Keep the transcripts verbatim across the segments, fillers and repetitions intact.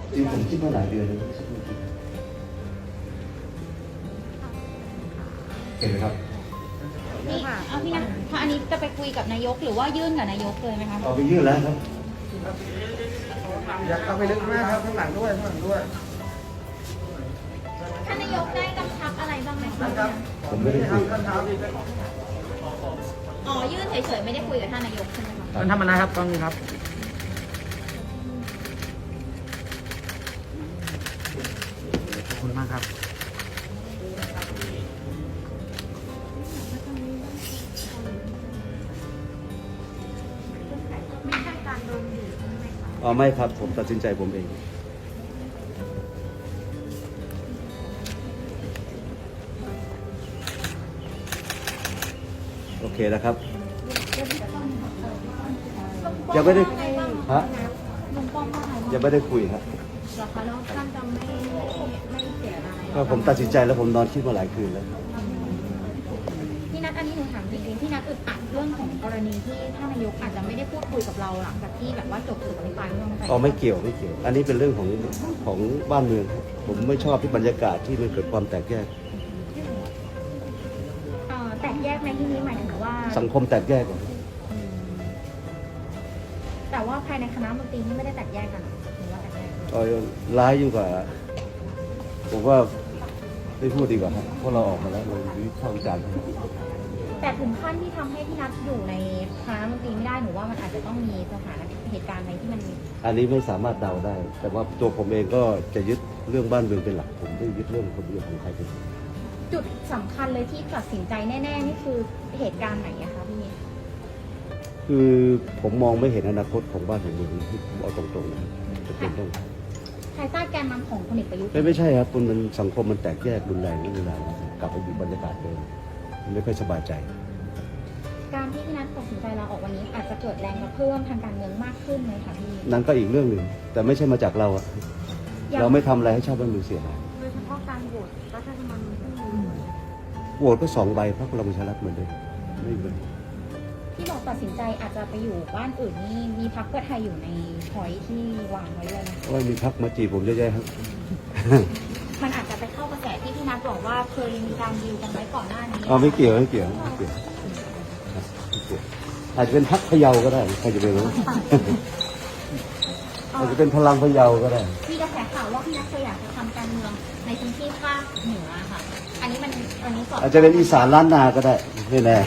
จริงผมคิดมาหลายเดือนแล้วเห็นไหมครับนี่เอาพี่นะถ้าอันนี้จะไปคุยกับนายกหรือว่ายื่นกับนายกเลยไหมคะเอาไปยื่นแล้วครับอยากเข้าไปลึกมากครับข้างหลังด้วยข้างหลังด้วยท่านนายกได้กำชับอะไรบ้างไหมคะผมไม่ได้คุยท่านเท้าดีอ๋อยื่นเฉยๆไม่ได้คุยกับท่านนายกใช่ไหมคะท่านทำอะไรครับตอนนี้ครับขอบคุณมากครับไม่ใช่การโดนบีบใช่ไหมคะอ๋อไม่ครับผมตัดสินใจผมเองโอเคนะครับยังไม่ได้ฮะลุงป้อมว่าไงยังไม่ได้คุยครับเหรอคะแล้วท่านจะไม่ไม่เสียอะไรก็ผมตัดสินใจแล้วผมนอนคิดมาหลายคืนแล้วพี่นัทอันนี้หนูถามจริงๆพี่นัทอึดอัดเรื่องของกรณีที่ท่านนายกอาจจะไม่ได้พูดคุยกับเราหลังจากที่แบบว่าจบสุดอภิปรายไม่ไว้วางใจอ๋อไม่เกี่ยวไม่เกี่ยว อันนี้เป็นเรื่องของของบ้านเมืองครับผมไม่ชอบที่บรรยากาศที่มันเกิดความแตกแยกเอ่อแตกแยกในที่นี้หมายถึงว่าสังคมแตกแยกอะแต่ว่าภายในคณะมนตรีนี่ไม่ได้แตกแยกกันหรือว่าแตกแยกเอาร้ายยิ่งกว่าผมว่าไม่พูดดีกว่าครับเพราะเราออกมาแล้วเราวิพากษ์วิจารณ์แต่ถึงขั้นที่ทำให้พี่นัทอยู่ในคณะมนตรีไม่ได้หนูว่ามันอาจจะต้องมีสถานเหตุการณ์อะไรที่มันอันนี้ไม่สามารถเดาได้ แต่ว่าตัวผมเองก็จะยึดเรื่องบ้านเมืองเป็นหลักผมไม่ยึดเรื่องคนเดียวของใครเป็นหลักจุดสำคัญเลยที่ตัดสินใจแน่ๆนี่คือเหตุการณ์ไหนอะคะพี่คือผมมองไม่เห็นอนาคตของบ้านของเมืองที่ผมเอาตรงๆนะครับจะเป็นต้องภายใต้แกนนำของพลเอกประยุทธ์ไม่ไม่ใช่ครับคุณมันสังคมมันแตกแยกรุนแรงนี่เวลากลับไปอยู่บรรยากาศเดิมมันไม่ค่อยสบายใจการที่พี่นัทตัดสินใจลาออกวันนี้อาจจะเกิดแรงกระเพื่อมทางการเมืองมากขึ้นไหมคะพี่นั่นก็อีกเรื่องหนึ่งแต่ไม่ใช่มาจากเราอะเราไม่ทำอะไรให้ชาติบ้านเมืองเสียหายโดยเฉพาะการโหวตรัฐธรรมนูญโหวตก็สองใบพรรคพลังประชารัฐเหมือนเดิมไม่เป็นที่บอกตัดสินใจอาจจะไปอยู่บ้านอื่นนี่มีพรรคเพื่อไทยอยู่ในพอยที่วางไว้เลยนะว่ามีพรรคมาจีบผมเยอะแยะครับมันอาจจะไปเข้ากระแสที่พี่นัทบอกว่าเคยมีการดีลกันไว้ก่อนหน้านี้อ๋อไม่เกี่ยวไม่เกี่ยวไม่เกี่ยวครับไม่เกี่ยวอาจจะเป็นพรรคพะเยาก็ได้ใครจะไปรู้ อาจจะเป็นพลังพะเยาก็ได้มีกระแสข่าวว่าพี่นัทเคยอยากจะทำการเมืองในพื้นที่ภาคเหนือค่ะ อันนี้มันอันนี้สดอาจจะเป็นอีสานล้านนาก็ได้ไม่แน่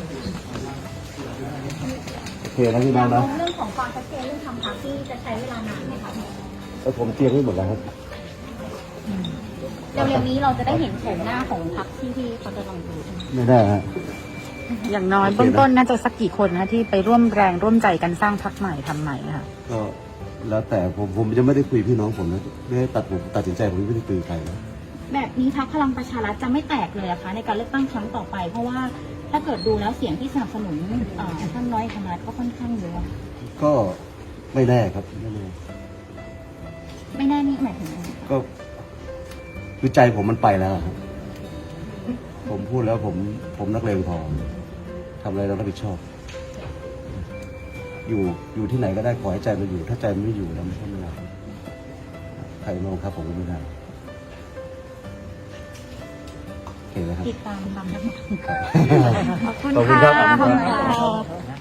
โอเคนะพี่น้องนะเรื่องของความชัดเจนเรื่องทำพรรคที่จะใช้เวลานานไหมคะพี่แล้วผมเตรียมไว้หมดแล้วครับเร็วๆนี้เราจะได้เห็นโฉมหน้าของพรรคที่ที่เขาจะลองดูใช่ไหมไม่ได้ฮะอย่างน้อยเบื้องต้นน่าจะสักกี่คนนะที่ไปร่วมแรงร่วมใจกันสร้างพรรคใหม่ทำใหม่ค่ะก็แล้วแต่ผมผมจะไม่ได้คุยพี่น้องผมนะไม่ได้ตัดผมตัดสินใจผมไม่ได้คุยกับใครนะแบบนี้พรรคพลังประชารัฐจะไม่แตกเลยนะคะในการเลือกตั้งครั้งต่อไป เพราะว่าถ้าเกิดดูแล้วเสียงที่สนับสนุนเอ่อท่านร้อยธรรมนัฐก็ค่อนข้างเยอะก็ไม่แน่ครับไม่แน่ไม่แน่นี่หมายถึงอะไรก็คือใจผมมันไปแล้วครับผมพูดแล้วผมผมนักเลงพอทำอะไรเรารับผิดชอบ อยู่อยู่ที่ไหนก็ได้ขอให้ใจมันอยู่ ถ้าใจมันไม่อยู่แล้วมันก็ไม่ได้ใครมาบังคับผมก็ไม่ได้โอเคนะครับติดตามตามขอบคุณขอบคุณครับค่ะขอบคุณครับ